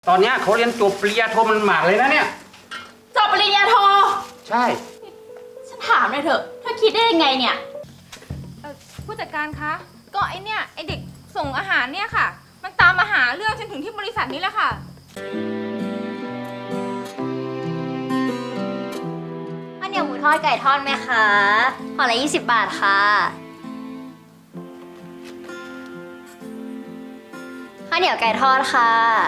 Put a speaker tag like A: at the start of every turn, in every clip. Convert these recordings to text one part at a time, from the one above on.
A: ตอนเนี้ยเขาเรียนจบปริญญาโทมันหมากเลยนะเนี่ย
B: จบปริญญาโท
A: ใช่
B: ฉันถามหน่อยเถอะเธอคิดได้ยังไงเนี่ย
C: ผู้จัดการคะก็ไอเด็กส่งอาหารเนี่ยค่ะมันตามมาหาเรื่องฉันถึงที่บริษัทนี้แหละค่ะ
D: ข้าวเหนียวหมูทอดไก่ทอดไหมคะห่อละ20 บาทค่ะข้าวเหนียวไก่ทอดค่ะ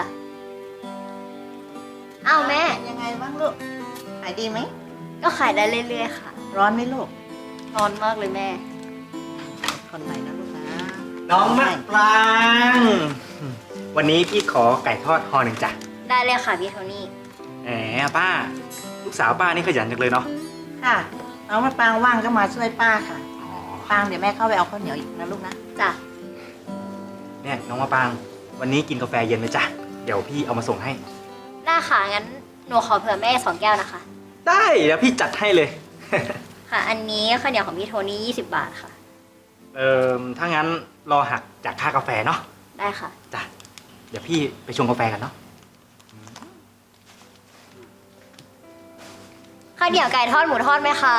D: เอาแม่
E: ยังไงบ้างลูกขายดีไหม
D: ก็ขายได้เรื่อยๆค่ะ
E: ร้อนไหมลูก
D: ร้อนมากเลยแม่
E: คนไหนนะลูกนะ
A: น้องมะปรางวันนี้พี่ขอไก่ทอดห่อหนึ่งจ้ะ
D: ได้เลยค่ะพี่โทนี่
A: แหมป้าลูกสาวป้านี่ขยันจังเลยเนาะ
E: ค่ะน้องมะปรางว่างก็มาช่วยป้าค่ะปรางเดี๋ยวแม่เข้าไปเอาข้าวเหนียวอีกนะลูกนะ
D: จ้ะ
A: เนี่ยน้องมะปรางวันนี้กินกาแฟเย็นไหมจ๊ะเดี๋ยวพี่เอามาส่งให้
D: ได้ค่ะงั้นหนูขอเผื่อแม่2 แก้วนะคะ
A: ได้เดี๋ยวพี่จัดให้เลย
D: ค่ะอันนี้ข้าวเหนียวของพี่โทนี่20 บาทค่ะ
A: ถ้างั้นรอหักจากค่ากาแฟเนาะ
D: ได้ค่ะ
A: จ้ะเดี๋ยวพี่ไปชงกาแฟกันเนาะ
D: ข้าวเหนียวไก่ทอดหมูทอดไหมคะ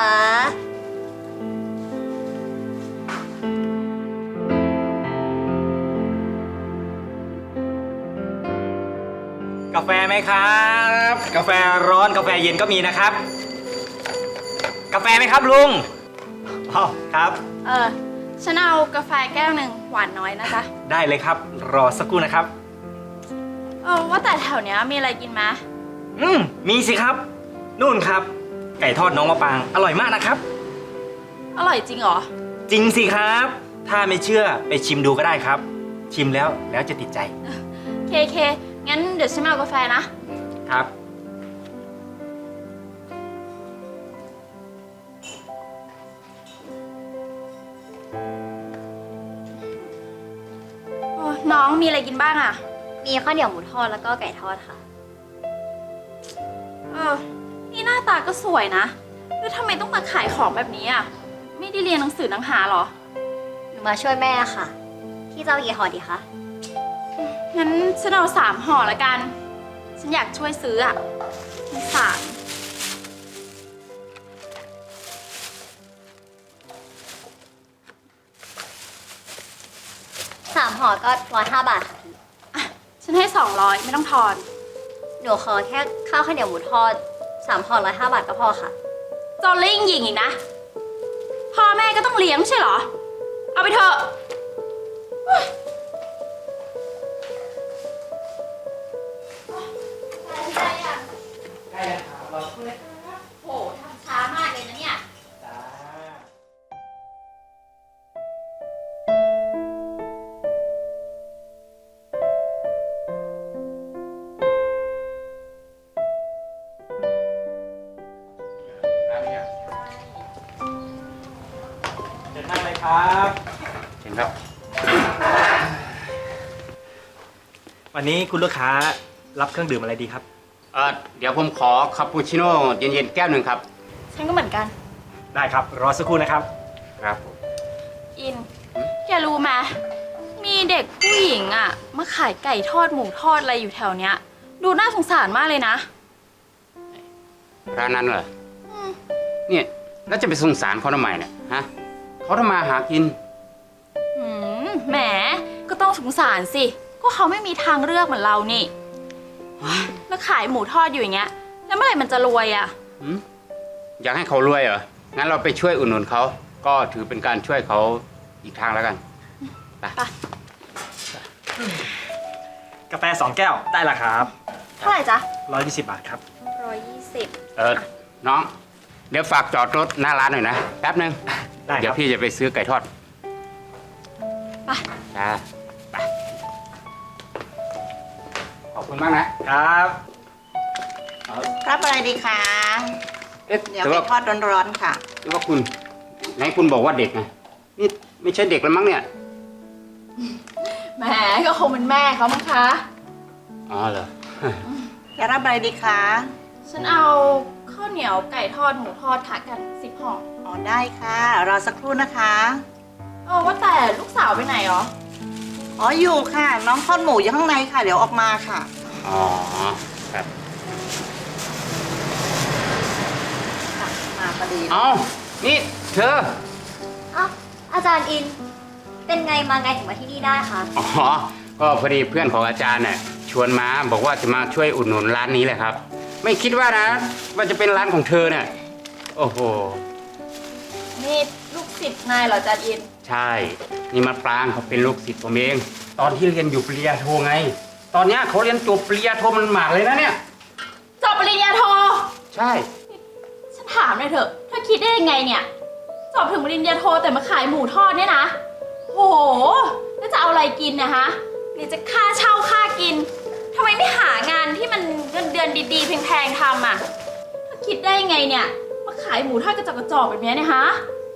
A: กาแฟไหมครับกาแฟร้อนกาแฟเย็นก็มีนะครับกาแฟไหมครับลุงอ๋อครับ
B: ฉันเอากาแฟแก้วหนึ่งหวานน้อยนะจ๊ะ
A: ได้เลยครับรอสักครู่นะครับ
B: ว่าแต่แถวเนี้ยมีอะไรกินไหม
A: มีสิครับนู่นครับไก่ทอดน้องมะปรางอร่อยมากนะครับ
B: อร่อยจริงเหรอ
A: จริงสิครับถ้าไม่เชื่อไปชิมดูก็ได้ครับชิมแล้วจะติดใจ
B: เคงั้นเดี๋ยวฉันเอากาแฟนะครับน้องมีอะไรกินบ้างอ่ะ
D: มีข้าวเหนียวหมูทอดแล้วก็ไก่ทอดค่ะ
B: นี่หน้าตาก็สวยนะแล้วทำไมต้องมาขายของแบบนี้อ่ะไม่ได้เรียนหนังสือหนังหาหรอ
D: หนูมาช่วยแม่ค่ะพี่จะเอากี่ห่อดีคะ
B: งั้นฉันเอา3 ห่อละกันฉันอยากช่วยซื้ออ่ะ
D: 3 ห่อก็105 บาทค่ะพี่
B: ฉันให้200ไม่ต้องทอน
D: หนูขอแค่ข้าวเหนียวหมูทอด3 ห่อ105 บาทก็พอค่ะ
B: จอลลิ่งหญิงอีกนะพ่อแม่ก็ต้องเลี้ยงไม่ใช่เหรอเอาไปเถอะ
A: ได้แล้วครับรอสักครู่นะ
B: โหทำช้ามากเลยนะเนี่ย
A: จ้าเชิญนั่งเลยครับเชิญครับวันนี้คุณลูกค้ารับเครื่องดื่มอะไรดีครับ
F: เดี๋ยวผมขอคาปูชิโน่เย็นๆแก้วหนึ่งครับ
B: ฉันก็เหมือนกัน
A: ได้ครับรอสักครู่นะครับ
F: ครับ
B: อินแกรู้ไหมมีเด็กผู้หญิงอ่ะมาขายไก่ทอดหมูทอดอะไรอยู่แถวเนี้ยดูน่าสงสารมากเลยนะ
F: ร้านนั้นเหรอเนี่ยแล้วจะไปสงสารเขาทำไมเนี่ยฮะเขาทำมาหากิน
B: แหมก็ต้องสงสารสิก็เขาไม่มีทางเลือกเหมือนเรานี่แล้วขายหมูทอดอยู่อย่างเงี้ยแล้วเมื่อไหร่มันจะรวยอ่ะ
F: อยากให้เขารวยเหรองั้นเราไปช่วยอุดหนุนเขาก็ถือเป็นการช่วยเขาอีกทางแล้วกันไป
A: กาแฟ2 แก้วได้ละครับ
B: เท่าไหร่จ๊ะ
A: 120 บาทครับ
B: 120
F: น้องเดี๋ยวฝากจอดรถหน้าร้านหน่อยนะแป๊บนึงเดี๋ยวพี่จะไปซื้อไก่ทอด
B: ไป
F: ไปขอบคุณมากนะครับ
E: รับอะไรดีคะเดี๋ยวไก่ทอดร้อนๆค่ะ
F: หรือว่าคุณไหนคุณบอกว่าเด็กไงนี่ไม่ใช่เด็กแล้วมั้งเนี่ย
B: แหมก็คงเป็นแม่เขามั้งคะ
F: อ๋อเหรอ
E: จะรับอะไรดีคะ
B: ฉันเอาข้าวเหนียวไก่ทอดหมูทอดค่ะกัน10 ห่อ
E: อ๋อได้ค่ะรอสักครู่นะคะ
B: ว่าแต่ลูกสาวไปไหนหรอ
E: อ๋ออยู่ค่ะน้องทอดหมูอยู่ข้างในค่ะเดี๋ยวออกมาค่ะ
F: อ๋อครับ
E: มาพอดี
F: เอานี่เธอ
D: อ้าวอาจารย์อิน เป็นไงมาไงถึงมาที่นี่ได้คะ
F: อ๋อ ก็พอดีเพื่อนของอาจารย์เนี่ยชวนมาบอกว่าจะมาช่วยอุดหนุนร้านนี้แหละครับ ไม่คิดว่านะ ว่าจะเป็นร้านของเธอเนี่ย โอ้โห
B: นี่ลูกศิษย์นายเหรออาจารย์อิน
F: ใช่ นี่มะปรางเขาเป็นลูกศิษย์ผมเอง ตอนที่เรียนอยู่ปริญญาโทไง ตอนเนี้ยเขาเรียนจบปริญญาโทมันหมากเลยนะเนี่ย
B: จบปริญญาโท
F: ใช่
B: ฉันถามหน่อยเถอะเธอคิดได้ยังไงเนี่ย จบถึงปริญญาโทแต่มาขายหมูทอดเนี่ยนะ โห แล้วจะเอาอะไรกินนะฮะนี่จะค่าเช่าค่ากิน ทำไมไม่หางานที่มันเงินเดือนดีๆแพงๆทำอ่ะเธอคิดได้ยังไงเนี่ย มาขายหมูทอดกระจอกแบบเนี้ยเนี่ยฮะ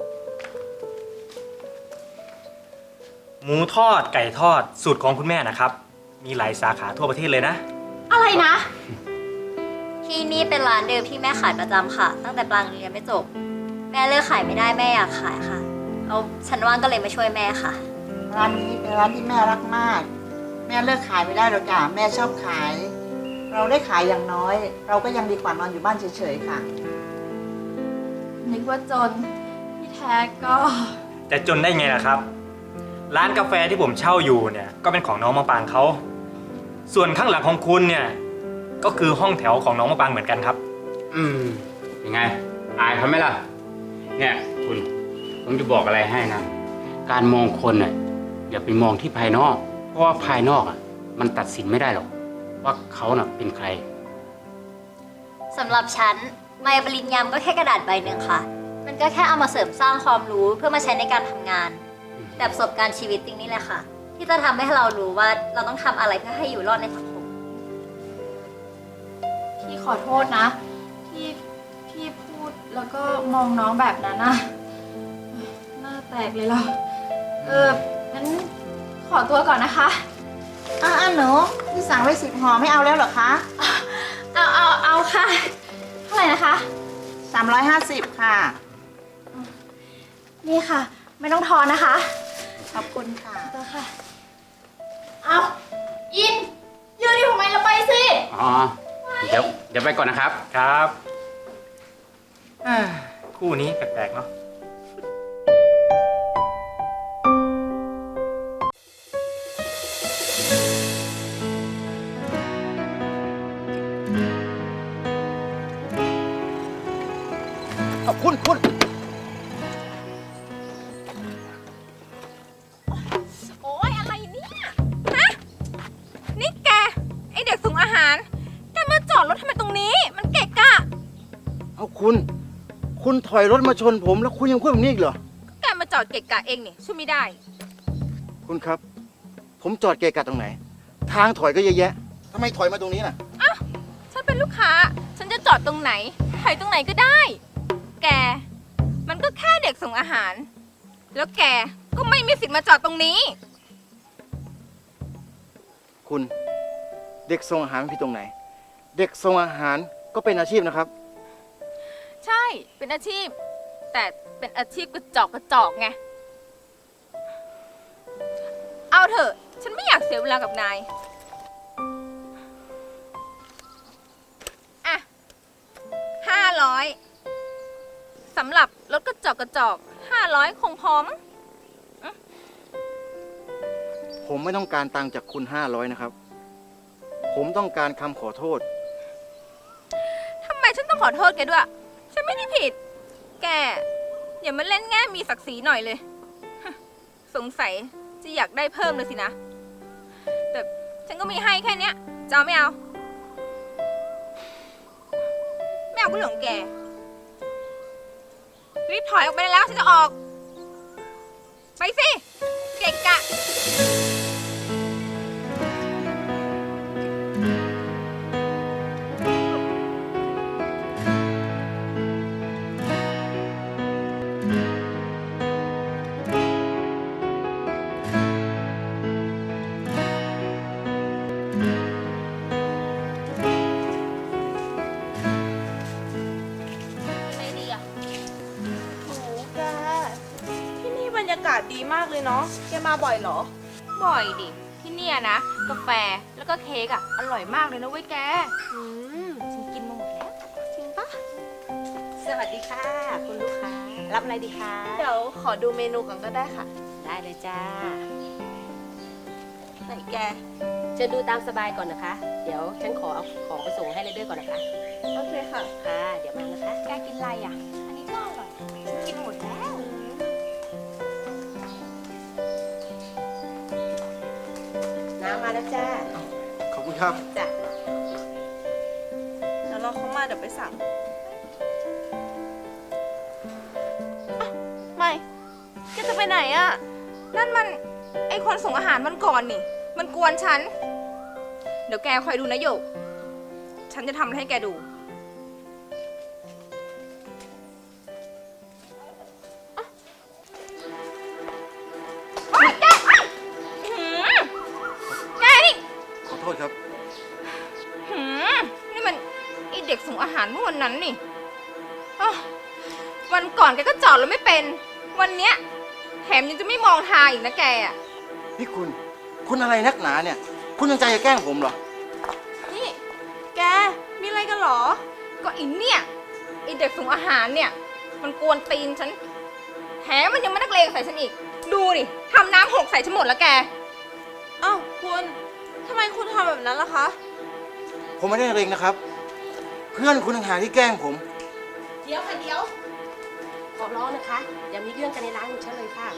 A: หมูทอดไก่ทอดสูตรของคุณแม่นะครับ มีหลายสาขาทั่วประเทศเลยนะ
B: อะไรนะ
D: ที่นี่เป็นร้านเดิมที่แม่ขายประจำค่ะ ตั้งแต่ปรางเรียนไม่จบ แม่เลิกขายไม่ได้แม่อยากขายค่ะเอาฉันว่างก็เลยมาช่วยแม่ค่ะ
E: ร้านนี้เป็นร้านที่แม่รักมาก แม่เลิกขายไม่ได้หรอกจ้ะแม่ชอบขาย เราได้ขายอย่างน้อย เราก็ยังดีกว่านอนอยู่บ้านเฉยๆค่ะ
B: นึกว่าจนที่แท้ก็
A: แต่จนได้ไงล่ะครับ ร้านกาแฟที่ผมเช่าอยู่เนี่ยก็เป็นของน้องมะปรางเขา ส่วนข้างหลังของคุณเนี่ยก็คือห้องแถวของน้องมะปรางเหมือนกันครับ
F: ยังไง อายเขาไหมล่ะ เนี่ยคุณ ผมจะบอกอะไรให้นะ การมองคนน่ะอย่าไปมองที่ภายนอก เพราะว่าภายนอกอ่ะมันตัดสินไม่ได้หรอก ว่าเขาน่ะเป็นใคร
D: สำหรับฉันใบปริญญาก็แค่กระดาษใบหนึ่งค่ะ มันก็แค่เอามาเสริมสร้างความรู้เพื่อมาใช้ในการทำงาน แต่ประสบการณ์ชีวิตจริงนี่แหละค่ะ ที่จะทำให้เรารู้ว่าเราต้องทำอะไรเพื่อให้อยู่รอดในสังคม
B: พี่ขอโทษนะ ที่พี่พูดแล้วก็มองน้องแบบนั้นนะหน้าแตกเลยเหรองั้นขอตัวก่อนนะคะ
E: หนูที่สั่งไว้10 ห่อไม่เอาแล้วเหรอคะ
B: เอาค่ะ เท่าไหร่นะคะ
E: 350 ค่ะ
B: นี่ค่ะ ไม่ต้องทอนนะคะ
E: ขอบคุณค่ะ
B: ตัวค่ะ เอาอิน ยืนอยู่ทำไมเราไปสิ
F: อ๋อ เดี๋ยวไปก่อนนะครับ
A: ครับคู่นี้แปลกๆเนาะ
G: คุณ
C: โอ๊ยอะไรเนี่ย ฮะ นี่แก ไอเด็กส่งอาหาร แกมาจอดรถทำไมตรงนี้ มันเกะกะ
G: เอาคุณถอยรถมาชนผมแล้วคุณยังพูดแบบนี้อีกเหรอ
C: แกมาจอดเกะกะเองนี่ช่วยไม่ได้
G: คุณครับ ผมจอดเกะกะตรงไหน ทางถอยก็เยอะแยะทำไมถอยมาตรงนี้น่ะ
C: ฉันเป็นลูกค้า ฉันจะจอดตรงไหนถอยตรงไหนก็ได้ แก มันก็แค่เด็กส่งอาหาร แล้วแกก็ไม่มีสิทธิ์มาจอดตรงนี้
G: คุณเด็กส่งอาหารมันผิดตรงไหน เด็กส่งอาหารก็เป็นอาชีพนะครับ
C: ใช่ เป็นอาชีพ แต่เป็นอาชีพกระจอกไง เอาเถอะ ฉันไม่อยากเสียเวลากับนาย อ่ะ500สำหรับรถกระจอก500คงพอมั้ง
G: ผมไม่ต้องการตังค์จากคุณ500นะครับ ผมต้องการคำขอโทษ
C: ทำไมฉันต้องขอโทษแกด้วย ฉันไม่ได้ผิด แก อย่ามาเล่นแง่มีศักดิ์ศรีหน่อยเลย สงสัยจะอยากได้เพิ่มเลยสินะ แต่ฉันก็มีให้แค่เนี้ยจะเอาไม่เอา ไม่เอาก็เรื่องของแก รีบถอยออกไปได้แล้วฉันจะออก ไปสิ เกะกะ ไม่ดีอ่ะ
H: โหแก ที่นี่บรรยากาศดีมากเลยเนาะ แกมาบ่อยเหรอ
C: บ่อยดิ ที่ที่เนี่ยนะ กาแฟแล้วก็เค้กอ่ะ อร่อยมากเลยนะเว้ยแก ฉันกินมาหมดแล้ว จริงปะ
H: สวัสดีค่ะ คุณลูกค้า รับอะไรดีคะ
C: เดี๋ยวขอดูเมนูก่อนก็ได้ค่ะ
H: ได้เลยจ้า
C: ไหนแก
H: เชิญดูตามสบายก่อนนะคะ เดี๋ยวฉันขอเอาของไปส่งให้เลยด้วยก่อนนะคะ
C: โอเคค่ะ
H: ค่ะ เดี๋ยวมานะคะ
C: แกกินอะไรอ่ะ อันนี้ก็อร่อยฉันกินหมดแล้ว
H: น้ำมาแล้วจ้า
G: ขอบคุณครับ
H: จ้ะ
C: เดี๋ยวรอเขามาเดี๋ยวไปสั่งไม่แกจะไปไหนอ่ะ นั่นมันไอคนส่งอาหารวันก่อนนี่ มันกวนฉัน เดี๋ยวแกคอยดูนะโยก ฉันจะทำให้แกดูโอ๊ยแกอื้อหือแกนี่
G: ขอโทษครับ
C: หืมนี่มันไอเด็กส่งอาหารเมื่อวันนั้นนี่อ้าววันก่อนแกก็จอดแล้วไม่เป็น วันเนี้ยแถมยังจะไม่มองทางอีกนะแกอ่ะ
G: นี่คุณอะไรนักหนาเนี่ย คุณยังใจจะแกล้งผมเหรอ
C: นี่ แก มีอะไรกันเหรอ ก็ไอเนี่ยไอเด็กส่งอาหารเนี่ย มันกวนตีนฉัน แถมมันยังมานักเลงใส่ฉันอีก ดูดิทำน้ำหกใส่ฉันหมดแล้วแก
I: อ้าวคุณทำไมคุณทำแบบนั้นล่ะคะ
G: ผมไม่ได้เร็งนะครับ เพื่อนคุณต่างหากที่แกล้งผม
H: เดี๋ยวค่ะเดี๋ยว ขอร้องนะคะ อย่ามีเรื่องกันในร้านของฉันเลยค่ะ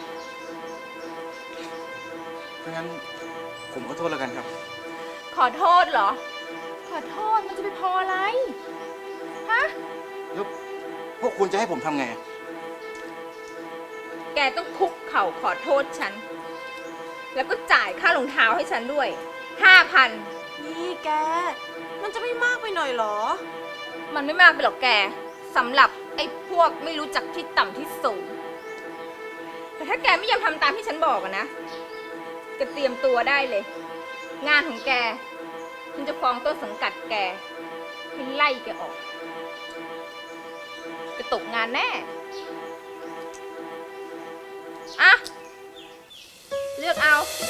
G: เพราะงั้นผมขอโทษแล้วกันครับ
C: ขอโทษเหรอ ขอโทษมันจะไปพออะไร ฮะ
G: แล้วพวกคุณจะให้ผมทำไง
C: แกต้องคุกเข่าขอโทษฉัน แล้วก็จ่ายค่ารองเท้าให้ฉันด้วย 5,000
I: นี่แก มันจะไม่มากไปหน่อยเหรอ
C: มันไม่มากไปหรอกแกสำหรับไอ้พวกไม่รู้จักที่ต่ำที่สูง แต่ถ้าแกไม่ยอมทำตามที่ฉันบอกอะนะแกเตรียมตัวได้เลย งานของแก ฉันจะฟ้องต้นสังกัดแกให้ไล่แกออกแกตกงานแน่อะเลือกเอา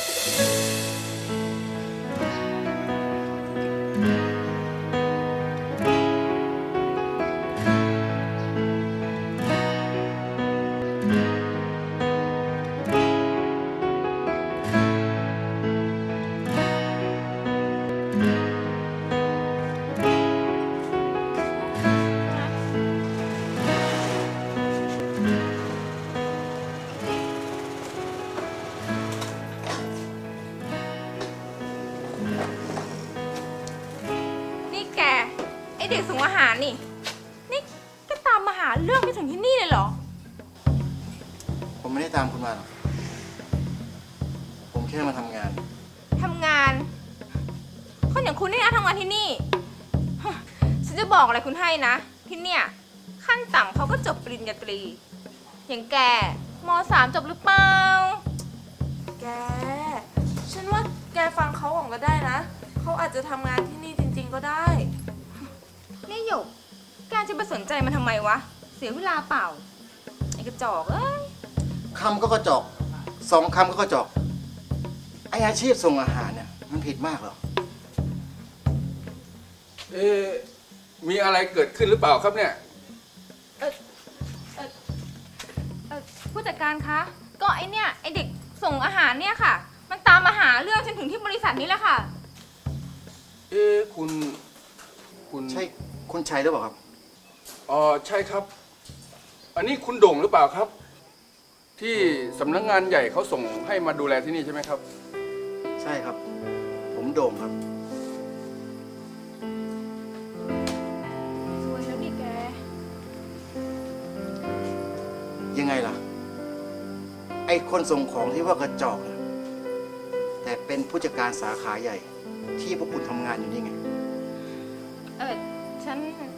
C: นี่แก ไอเด็กส่งอาหารนี่ นี่แกตามมาหาเรื่องไปถึงที่นี่เลยเหรอ
G: ผมไม่ได้ตามคุณมาหรอก ผมแค่มาทำงาน
C: ทำงาน คนอย่างคุณนี่นะทำงานที่นี่ฮะฉันจะบอกอะไรคุณให้นะ ที่เนี่ย ขั้นต่ำเขาก็จบปริญญาตรี อย่างแกม.3 จบหรือเปล่า
I: แก ฉันว่าแกฟังเขาก่อนก็ได้นะ เขาอาจจะทำงานที่นี่จริงๆก็ได้
C: นี่หยก แกจะไปสนใจมันทำไมวะ เสียเวลาเปล่า ไอ้กระจอกเอ้ย
G: คำก็กระจอก 2 คำก็กระจอก ไออาชีพส่งอาหารเนี่ย มันผิดมากเหรอ
J: เอ๊ะมีอะไรเกิดขึ้นหรือเปล่าครับเนี่ย
C: ผู้จัดการคะ ก็ไอเนี่ย ไอเด็กส่งอาหารเนี่ยค่ะ มันตามมาหาเรื่องฉันถึงที่บริษัทนี้แหละค่ะ
J: เอ๊ะคุณ
G: ใช่คุณชัยหรือเปล่าครับ
J: อ๋อใช่ครับ อันนี้คุณโด่งหรือเปล่าครับ ที่สำนักงานใหญ่เขาส่งให้มาดูแลที่นี่ใช่ไหมครับ
G: ใช่ครับ ผมโด่งครับ
C: สวยแล้วดิแก
G: ยังไงล่ะ ไอคนส่งของที่ว่ากระจอกเนี่ยแต่เป็นผู้จัดการสาขาใหญ่ ที่พวกคุณทำงานอยู่นี่ไง
C: ฉัน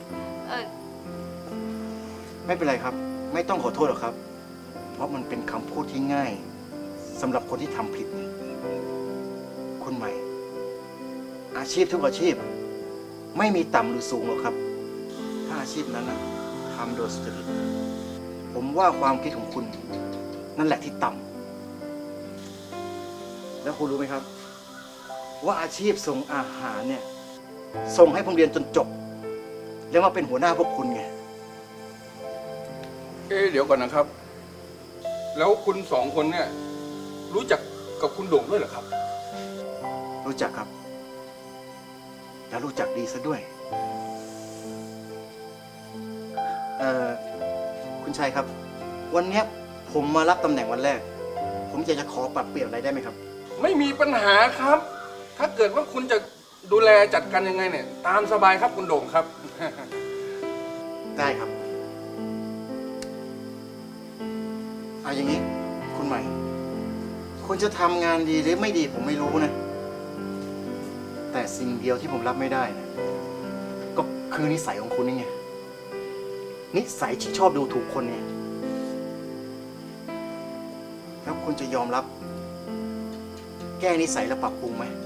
G: ไม่เป็นไรครับ ไม่ต้องขอโทษหรอกครับ เพราะมันเป็นคำพูดที่ง่ายสำหรับคนที่ทำผิดเนี่ยคุณใหม่ อาชีพทุกอาชีพ ไม่มีต่ำหรือสูงหรอกครับ ถ้าอาชีพนั้นนะทำโดยสุจริตผมว่าความคิดของคุณ นั่นแหละที่ต่ำแล้วคุณรู้ไหมครับว่าอาชีพส่งอาหารเนี่ย ส่งให้ผมเรียนจนจบ แล้วมาเป็นหัวหน้าพวกคุณไง
J: เดี๋ยวก่อนนะครับ แล้วคุณสองคนเนี่ย รู้จักกับคุณโด่งด้วยเหรอครับ
G: รู้จักครับ แล้วรู้จักดีซะด้วย คุณชัยครับ วันเนี้ยผมมารับตำแหน่งวันแรก ผมอยากจะขอปรับเปลี่ยนอะไรได้ไหมครับ
J: ไม่มีปัญหาครับ ถ้าเกิดว่าคุณจะดูแลจัดการยังไงเนี่ย ตามสบายครับคุณโด่งครับ
G: ได้ครับเอาอย่างนี้ คุณใหม่ คุณจะทำงานดีหรือไม่ดีผมไม่รู้นะ แต่สิ่งเดียวที่ผมรับไม่ได้นะก็คือนิสัยของคุณนี่ไง นิสัยที่ชอบดูถูกคนเนี่ย แล้วคุณจะยอมรับ แก้นิสัยและปรับปรุงไหม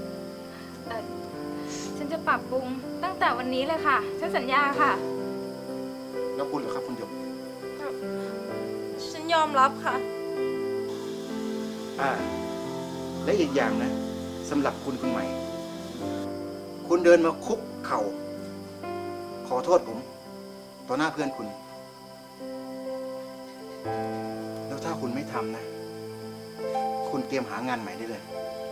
C: ฉันจะปรับปรุงตั้งแต่วันนี้เลยค่ะ ฉันสัญญาค่ะ
G: แล้วคุณเหรอครับคุณหยก
I: ฉันยอมรับค่ะ
G: และอีกอย่างนะสำหรับคุณใหม่ คุณเดินมาคุกเข่า ขอโทษผม ต่อหน้าเพื่อนคุณ แล้วถ้าคุณไม่ทำนะ คุณเตรียมหางานใหม่ได้เลย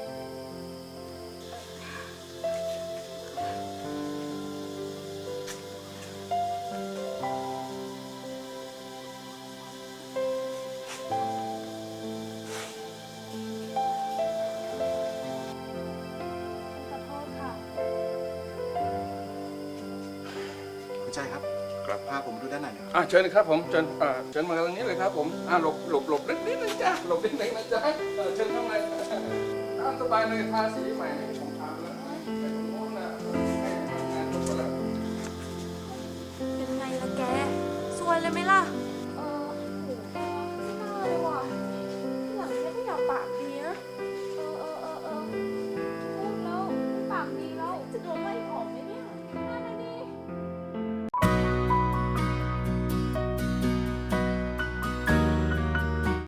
I: ขอโทษค่ะ
G: คุณชัยครับ
J: ครับ
G: พาผมดูด้านในหน่อยครับ
J: เชิญครับผมเชิญเชิญมาตรงนี้เลยครับผมหลบนิดนึงจ้ะหลบนิดนึงนะจ๊ะเชิญข้างในตามสบายเลยทาสีใหม่ให้ผมทำแล้วไปตรงโน้นนะให้ทำงานจบไปแล้ว
I: เป็นไงล่ะแก สวยเลยไหมล่ะ